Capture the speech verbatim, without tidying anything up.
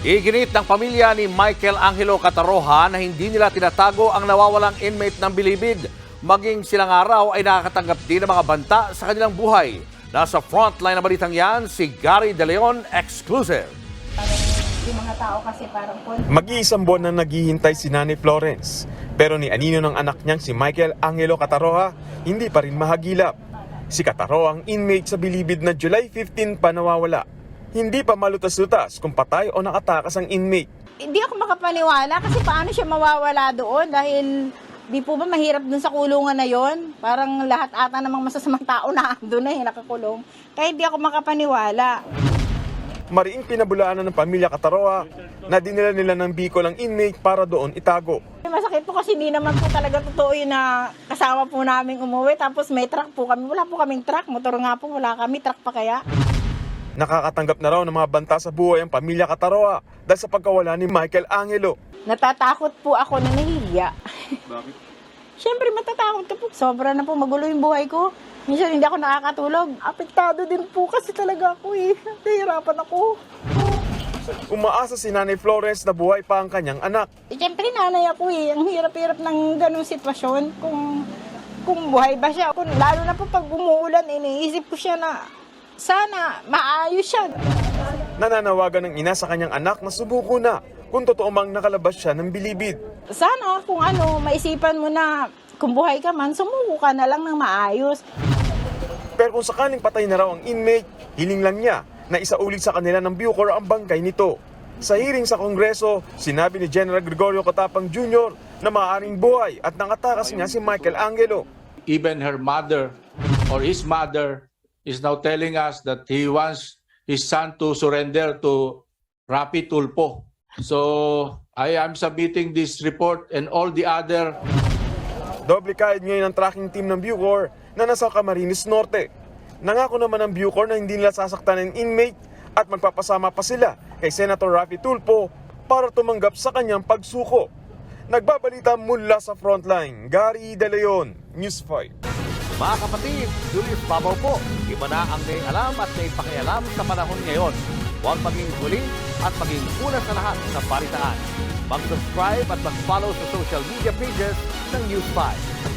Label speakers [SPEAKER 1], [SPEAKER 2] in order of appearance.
[SPEAKER 1] Iginit ng pamilya ni Michael Angelo Cataroha na hindi nila tinatago ang nawawalang inmate ng Bilibid. Maging silang araw ay nakakatanggap din ng mga banta sa kanilang buhay. Nasa frontline na balitang yan, si Gary De Leon, exclusive.
[SPEAKER 2] Yung mga tao kasi parang...
[SPEAKER 3] Mag-iisang buwan na naghihintay si Nanay Florence. Pero ni anino ng anak niyang si Michael Angelo Cataroha, hindi pa rin mahagilap. Si Cataroha ang inmate sa Bilibid na July fifteenth pa nawawala. Hindi pa malutas-lutas kung patay o nakatakas ang inmate.
[SPEAKER 2] Hindi ako makapaniwala kasi paano siya mawawala doon dahil di po ba mahirap dun sa kulungan na yon? Parang lahat ata namang masasamang tao na doon na eh, nakakulong. Kaya hindi ako makapaniwala.
[SPEAKER 3] Mariing pinabulaanan ng pamilya Cataroha na dinala nila ng Bicol ang inmate para doon itago.
[SPEAKER 2] Masakit po kasi hindi naman po talaga totoo yun na kasama po namin umuwi. Tapos may truck po kami. Wala po kaming truck. Motor nga po, wala kami. Truck pa kaya.
[SPEAKER 3] Nakakatanggap na raw ng mga banta sa buhay ang pamilya Cataroha dahil sa pagkawala ni Michael Angelo.
[SPEAKER 2] Natatakot po ako na nahihiya.
[SPEAKER 3] Bakit?
[SPEAKER 2] Siyempre matatakot ka po. Sobra na po magulo yung buhay ko. Minsan hindi ako nakakatulog. Apektado din po kasi talaga ako eh. Nahihirapan ako.
[SPEAKER 3] Umaasa si Nanay Florence na buhay pa ang kanyang anak.
[SPEAKER 2] Eh, siyempre nanay ako eh. Ang hirap-hirap ng ganung sitwasyon. Kung, kung buhay ba siya. Kung, lalo na po pag umuulan, iniisip ko siya na sana maayos siya.
[SPEAKER 3] Nananawagan ng ina sa kanyang anak na subuko na kung totoo mang nakalabas siya ng Bilibid.
[SPEAKER 2] Sana kung ano, maisipan mo na kung buhay ka man, sumuko ka na lang ng maayos.
[SPEAKER 3] Pero kung sakaling patay na raw ang inmate, hiling lang niya na isaulit sa kanila ng Bucor ang bangkay nito. Sa hearing sa Kongreso, sinabi ni General Gregorio Cotapang Junior na maaaring buhay at nakatakas niya si Michael Angelo.
[SPEAKER 4] Even her mother or his mother is now telling us that he wants his son to surrender to Rapi Tulfo. So I am submitting this report and all the other.
[SPEAKER 3] Doble kahit ngayon ang tracking team ng Bucor na nasa Camarines Norte. Nangako naman ang Bucor na hindi nila sasaktan ng inmate at magpapasama pa sila kay Senator Rapi Tulfo para tumanggap sa kanyang pagsuko. Nagbabalita mula sa frontline, Gary De Leon, News five.
[SPEAKER 1] Mga kapatid, Julius Babaw po. Iba na ang may alam at may pakialam sa panahon ngayon. Huwag maging huli at maging una sa lahat sa balitaan. Mag-subscribe at mag-follow sa social media pages ng News five.